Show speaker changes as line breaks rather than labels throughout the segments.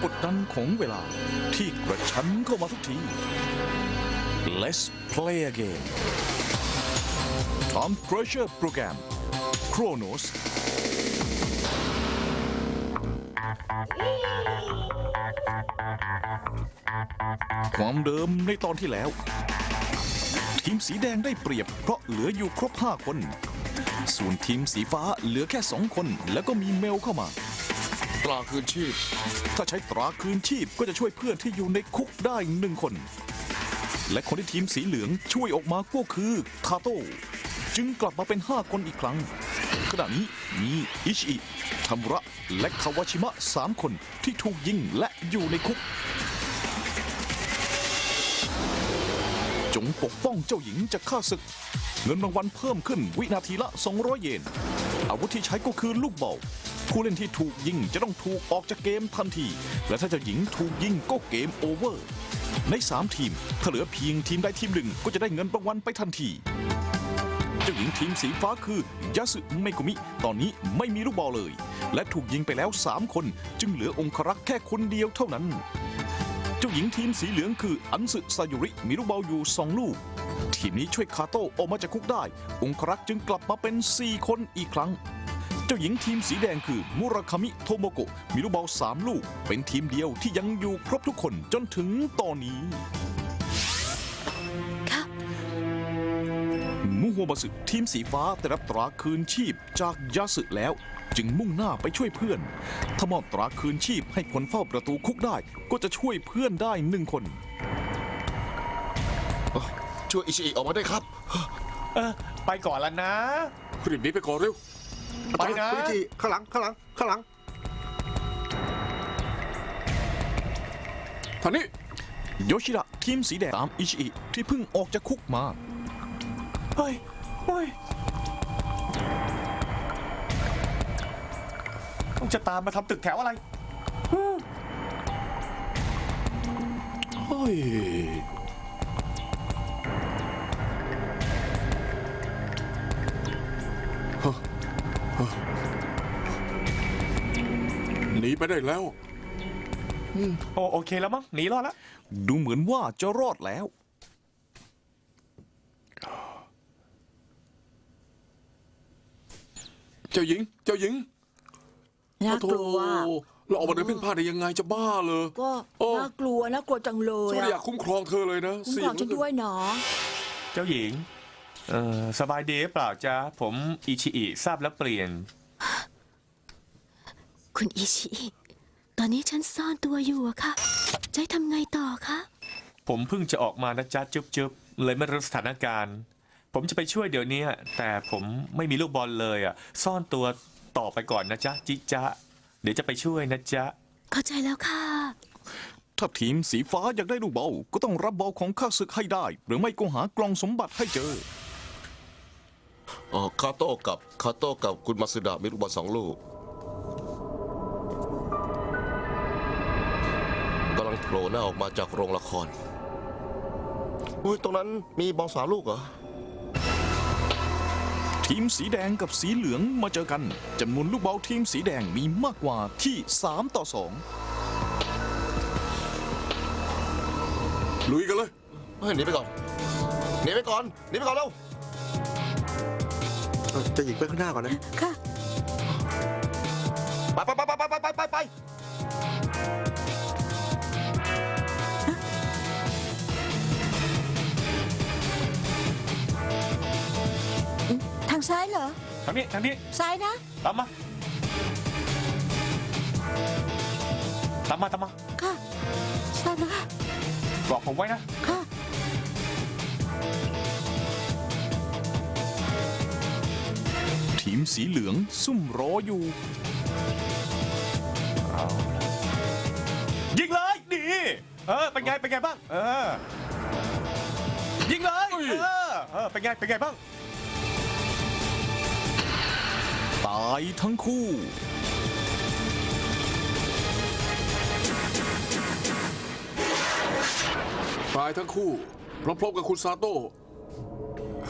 กดดันของเวลาที่กระชั้นเข้ามาทุกที Let's play a game Time Crusher Program Chronos ความเดิมในตอนที่แล้วทีมสีแดงได้เปรียบเพราะเหลืออยู่ครบ5 คนส่วนทีมสีฟ้าเหลือแค่2 คนแล้วก็มีเมลเข้ามา
ตราคืนชีพ
ถ้าใช้ตราคืนชีพก็จะช่วยเพื่อนที่อยู่ในคุกได้1 คนและคนที่ทีมสีเหลืองช่วยออกมาก็คือคาโต้จึงกลับมาเป็น5 คนอีกครั้งขณะนี้มีอิชิทามุระและคาวาชิมะ3 คนที่ถูกยิงและอยู่ในคุกจงปกป้องเจ้าหญิงจากข้าศึกเงินรางวัลเพิ่มขึ้นวินาทีละ200 เยนอาวุธที่ใช้ก็คือลูกบอลผู้เล่นที่ถูกยิงจะต้องถูกออกจากเกมทันทีและถ้าเจ้าหญิงถูกยิงก็เกมโอเวอร์ใน3 ทีมถ้าเหลือเพียงทีมใดทีมหนึ่งก็จะได้เงินรางวัลไปทันทีเจ้าหญิงทีมสีฟ้าคือยาสึเมกุมิตอนนี้ไม่มีลูกบอลเลยและถูกยิงไปแล้ว3 คนจึงเหลือองครักษ์แค่คนเดียวเท่านั้นเจ้าหญิงทีมสีเหลืองคืออันสึซายุริมีลูกบอลอยู่2 ลูกทีมนี้ช่วยคาโต้ออกมาจากคุกได้องครักษ์จึงกลับมาเป็น4 คนอีกครั้งเจ้าหญิงทีมสีแดงคือมุราคามิโทโมโกะมีลูกบอล3 ลูกเป็นทีมเดียวที่ยังอยู่ครบทุกคนจนถึงตอนนี้มุโฮมาสึทีมสีฟ้าได้รับตราคืนชีพจากยาสึแล้วจึงมุ่งหน้าไปช่วยเพื่อนถ้ามอบตราคืนชีพให้คนเฝ้าประตูคุกได้ก็จะช่วยเพื่อนได้1 คน
ช่วยอิชิอิออกมาได้ครับ
ไปก่อนแล้วนะ
รีบหนีไปก่อนเร็ว
ไปนะ
คุณอิชิข้างหลังทางนี้
โยชิดะทีมสีแดงตามอิชิอิที่เพิ่งออกจากคุกมา
เฮ้ยต้องจะตามมาทำตึกแถวอะไร
เฮ้ยหนีไปได้แล้ว
โอเคแล้วมั้งหนีรอดแล้ว
ดูเหมือนว่าจะรอดแล้ว
เจ้าหญิง
น่ากลัว
เราออกมาเดินเพ่นพ่านได้ยังไงจะบ้าเลย
ก็น่ากลัวจังเลย
ฉันอยากคุ้มครองเธอเลยนะ
คุ้มครองฉันด้วยเนาะ
เจ้าหญิงสบายดีเปล่าจ๊ะผมอิชิอิทราบแล้วเปลี่ยน
คุณอิชิอิตอนนี้ฉันซ่อนตัวอยู่อะค่ะจะทำไงต่อคะ
ผมเพิ่งจะออกมานะจ๊ะจุ๊บเลยไม่รู้สถานการณ์ผมจะไปช่วยเดี๋ยวนี้แต่ผมไม่มีลูกบอลเลยซ่อนตัวต่อไปก่อนนะจ๊ะจิจ๊ะเดี๋ยวจะไปช่วยนะจ๊ะ
เข้าใจแล้วค่ะ
ถ้าทีมสีฟ้าอยากได้ลูกบอลก็ต้องรับบอลของข้าศึกให้ได้หรือไม่ก็หากล่องสมบัติให้เจอ
คาโต้กับคุณมาสึดะมีลูกบอล2 ลูกกำลังโผล่หน้าออกมาจากโรงละครตรงนั้นมีบอล3 ลูกเหรอ
ทีมสีแดงกับสีเหลืองมาเจอกันจำนวนลูกบอลทีมสีแดงมีมากกว่าที่3-2
ลุยกันเลยหนีไปก่อนเร็วจะหยิงไปข้างหน้าก่อนนะ
ค่ะ
ไป
ทางซ้ายเหรอ
ทางนี้
ซ้ายนะ
ตามมา
ค่ะทราบแล้วค่ะ
บอกผมไว้นะ
ค่ะ
ทีมสีเหลืองซุ่มรออยู่
ยิงเลยดีเป็นไงบ้างยิงเลยเป็นไงบ้าง
ตายทั้งคู่
พร้อมๆกับคุณซาโต้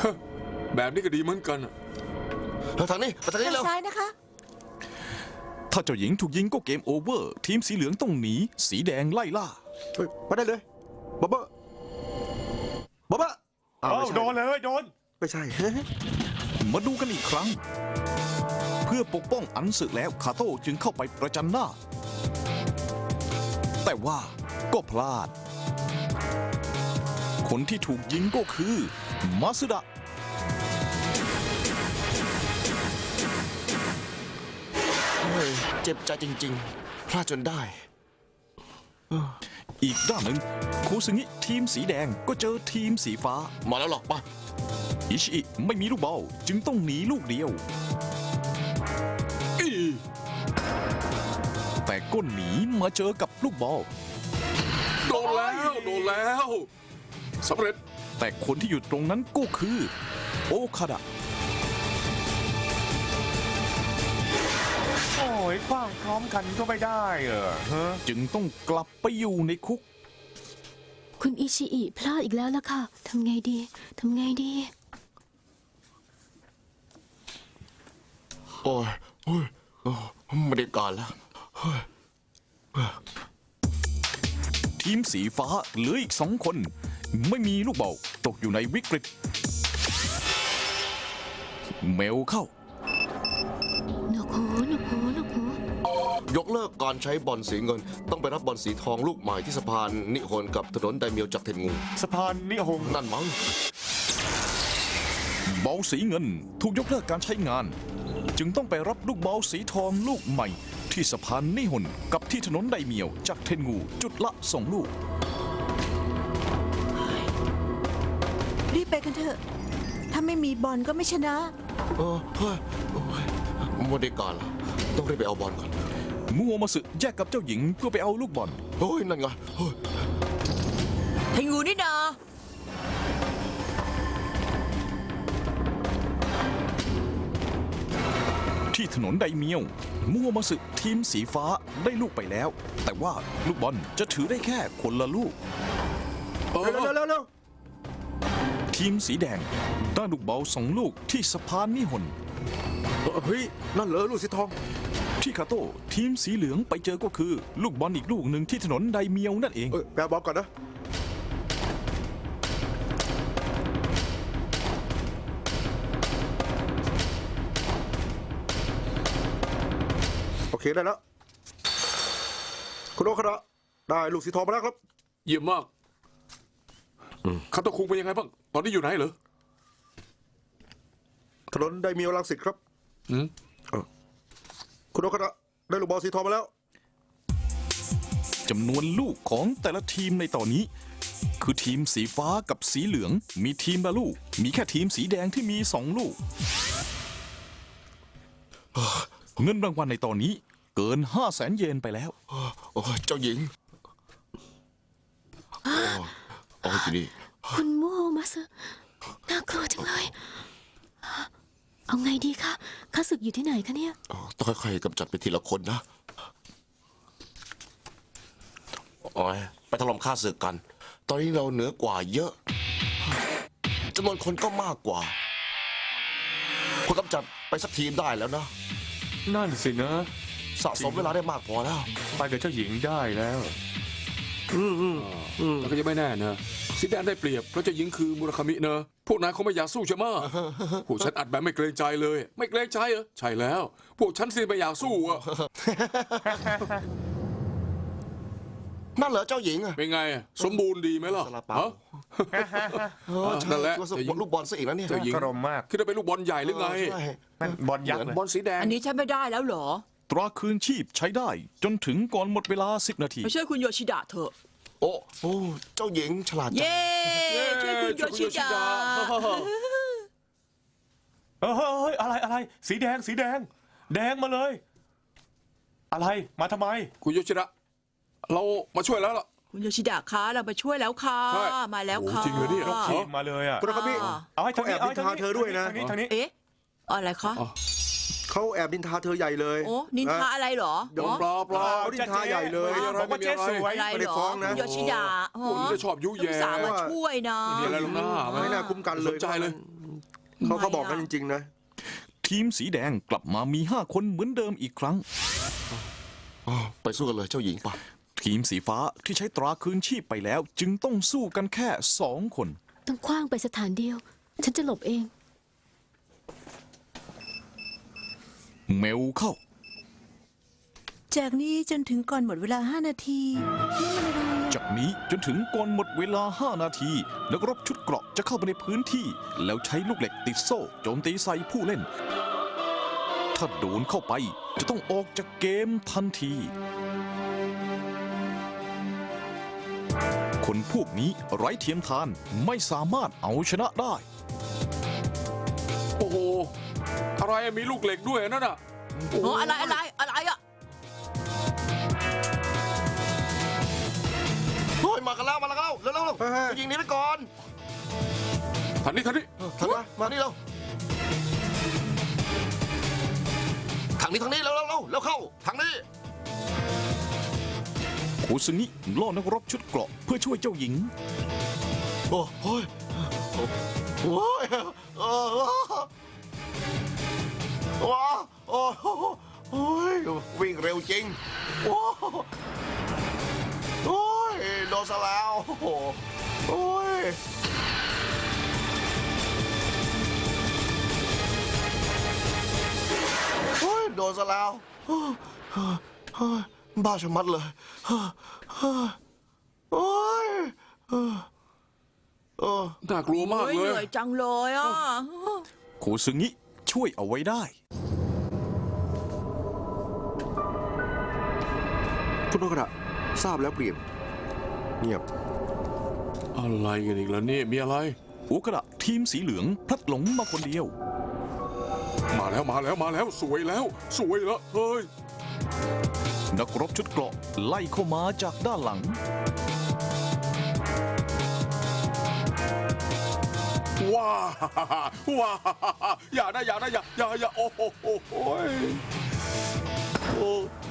แบบนี้ก็ดีเหมือนกันทางนี้เร็ว
ซ้ายนะคะ
ถ้าเจ้าหญิงถูกยิงก็เกมโอเวอร์ ทีมสีเหลืองต้องหนี สีแดงไล่ล่า
เฮ้ยมาได้เลยบ๊อบเบ้บ๊อบเบ้อ้าวไม่ใช่
โดนเลยโดน
ไม่ใช่
มาดูกันอีกครั้ง เพื่อปกป้องอันสึแล้วคาโต้จึงเข้าไปประจันหน้า แต่ว่าก็พลาด คนที่ถูกยิงก็คือมาสึดะ
เฮ้ยเจ็บใจจริงๆ พลาดจนได้
อีกด้านหนึ่งคูซึงิทีมสีแดงก็เจอทีมสีฟ้า
มาแล้วหรอกปะ
อิชิอิไม่มีลูกบอลจึงต้องหนีลูกเดียว แต่ก็หนีมาเจอกับลูกบอล
โดนแล้วสำเร็จ
แต่คนที่อยู่ตรงนั้นก็คือโอคาดะ
โอ้ยคว้างพร้อมกันก็ไม่ได้ฮะ
จึงต้องกลับไปอยู่ในคุก
คุณอิชิอิพลาดอีกแล้วล่ะค่ะ ทำไงดี ทำไงดี
โอ้ยไม่ได้การแล้ว
ทีมสีฟ้าเหลืออีก2 คน ไม่มีลูกบอลตกอยู่ในวิกฤต เมลเข้า
หนวกหูหนวกหูหนวกหู
ยกเลิกการใช้บอลสีเงิน ต้องไปรับบอลสีทองลูกใหม่ที่สะพานนิฮนกับถนนไดเมียวจากเทนงู
สะพานนิฮง
นั่นมั้ง
บอลสีเงินถูกยกเลิกการใช้งาน จึงต้องไปรับลูกบอลสีทองลูกใหม่ ที่สะพานนิฮนกับที่ถนนไดเมียวจากเทนงูจุดละ2 ลูก
รีบไปกันเถอะ ถ้าไม่มีบอลก็ไม่ชนะ
เฮ้ยโอ้ยไม่ได้การแล้วต้องรีบไปเอาบอลก่อน
มัวมาสึแยกกับเจ้าหญิงเพื่อไปเอาลูกบอล
เฮ้ยนั่นไงเฮ้ย
เทงูนี่นา
ที่ถนนไดเมียว มัวมาสึทีมสีฟ้าได้ลูกไปแล้ว แต่ว่าลูกบอลจะถือได้แค่คนละลูก
เร็ว
ทีมสีแดงได้ลูกบอล2 ลูกที่สะพานนิฮน
เฮ้ยนั่นเหรอลูกสีทอง
ที่คาโต้ทีมสีเหลืองไปเจอก็คือ ลูกบอลอีกลูกหนึ่งที่ถนนไดเมียวนั่นเอง
แปลบอลก่อนนะโอเคได้แล้วคุณโอคาระได้ลูกสีทองมาแล้วครับ
เยี่ยมมากคาโตคุงเป็นยังไงบ้าง ตอนนี้อยู่ไหนเหรอ
ถนนไดเมียวรังสิตครับ
อืม
คุณโอคาระได้ลูกบอลสีทองมาแล้ว
จำนวนลูกของแต่ละทีมในตอนนี้ คือทีมสีฟ้ากับสีเหลืองมีทีมละลูก มีแค่ทีมสีแดงที่มี2 ลูก เงินรางวัลในตอนนี้เกิน 500,000 เยนไปแล้ว
โอ้ยเจ้าหญิงโอ้ยทีนี้
คุณมัวมาสึน่ากลัวจังเลย เอาไงดีคะข้าศึกอยู่ที่ไหนคะเนี่ย
ต้องค่อยๆกำจัดไปทีละคนนะโอ้ยไปถล่มข้าศึกกัน ตอนนี้เราเหนือกว่าเยอะจำนวนคนก็มากกว่าพอกำจัดไปสักทีมได้แล้วนะ
นั่นสินะ
สะสมเวลาได้มากพอแล้ว
ไปกับเจ้าหญิงได้แล้ว
แต่ก็ยังไม่แน่นะสีแดงได้เปรียบเพราะเจ้าหญิงคือมุราคามิเนอะพวกนายคงไม่อยากสู้ใช่ไหมะพวกฉันอัดแบบไม่เกรงใจเลย ไม่เกรงใจเหรอใช่แล้ว พวกฉันสิไม่อยากสู้อะ
นั่นเหรอเจ้าหญิงอะ
เป็นไงอะสมบูรณ์ดีไหมล่ะ
ซาลาเปา
ฮะ
ใช่
นั่นแหละ
ตัวสลูกบอลซะอีกแล้วเนี่ย
เจ้าหญิง
กรมมาก
คิดว่าเป็นลูกบอลใหญ่หรือไง
ใช่
นั่นบอลยักษ์เลย
บอลสีแดง
อันนี้ใช้ไม่ได้แล้วเหรอ
ตราคืนชีพใช้ได้จนถึงก่อนหมดเวลา10 นาที
ไปช่วยคุณโยชิดะเถอะ
โอ้เจ้าหญิงฉลาดจัง
เย้ช่วยคุณโยชิดะ
เฮ้ยอะไรสีแดงแดงมาเลย อะไรมาทำไม
คุณโยชิระเรามาช่วยแล้วล่ะ
คุณโยชิดะคะเราไปช่วยแล้วค่ะ
ใช่
มาแล้ว
โอ้
ค่ะ
จริงเหรอเนี่ย
ยกทีมมาเลยอ่ะ
คุณโอคามิ
เอาให้ทางนี้
เขาแอบนินทาเธอด้วยนะ
ทางนี้
เอ๊ะอะไรคะ
เขาแอบนินทาเธอใหญ่เลย
โอ้นินทาอะไรเหรอ
เดี๋ยว
ปลา
เขานินทาใหญ่เลย
บอกว่าเจ๊สวย
อะไร
ไม่
เห
ได้
รอ
ฟ้องนะ
คุณโยชิดะ
คนจะชอบยุแย่
ลูกสาวมาช่วยนะ
มีอะไรหรอกนะ
ไม่น่าคุ้มกันเลย
สนใจเลย
เขาบอกกันจริงๆนะ
ทีมสีแดงกลับมามี5 คนเหมือนเดิมอีกครั้ง
ไปสู้กันเลยเจ้าหญิงป่ะ
ทีมสีฟ้าที่ใช้ตราคืนชีพไปแล้ว จึงต้องสู้กันแค่2 คน
ต้องคว้างไปสถานเดียว ฉันจะหลบเอง
เมลเข้า
จากนี้จนถึงก่อนหมดเวลา 5 นาทีนี่มันอะไรอะ
จากนี้จนถึงก่อนหมดเวลา 5 นาที นักรบชุดเกราะจะเข้าไปในพื้นที่ แล้วใช้ลูกเหล็กติดโซ่โจมตีใส่ผู้เล่น ถ้าโดนเข้าไปจะต้องออกจากเกมทันที คนพวกนี้ไร้เทียมทานไม่สามารถเอาชนะได้
โอ้โห อะไรอะมีลูกเหล็กด้วยนั่นน่ะ
โอ้อะไรอ่ะ
เฮ้ยมากันแล้วเร็วเร็วจะยิงหนี้ไปก่อน
ทันนี้
ทันมานี่เร็วทางนี้เร็วเข้าทางนี้
โคซึงิล่อนักรบชุดเกราะเพื่อช่วยเจ้าหญิง
โอ้ยโอ้ยว้าโอ้ยวิ่งเร็วจริงโอ้ยโดนซะแล้วโอ้ยโดนซะแล้วบ้าชะมัดเลยโอ้ย
น่ากลัวมาก
เฮ้ย
เล
เหนื่อย ยจังเลยอ่ะ
โคซึงิช่วยเอาไว้ได้
คุณโนกระทราบแล้วเปลี่ยนเงียบ
อะไรกันอีกแล้วเนี่ยมีอะไร
อุกระทีมสีเหลืองพลัดหลงมาคนเดียว
มาแล้วสวยแล้วเฮ้ย
นักรบชุดเกราะไล่เข้ามาจากด้านหลัง
ว้าอย่าโอ้โหโอ้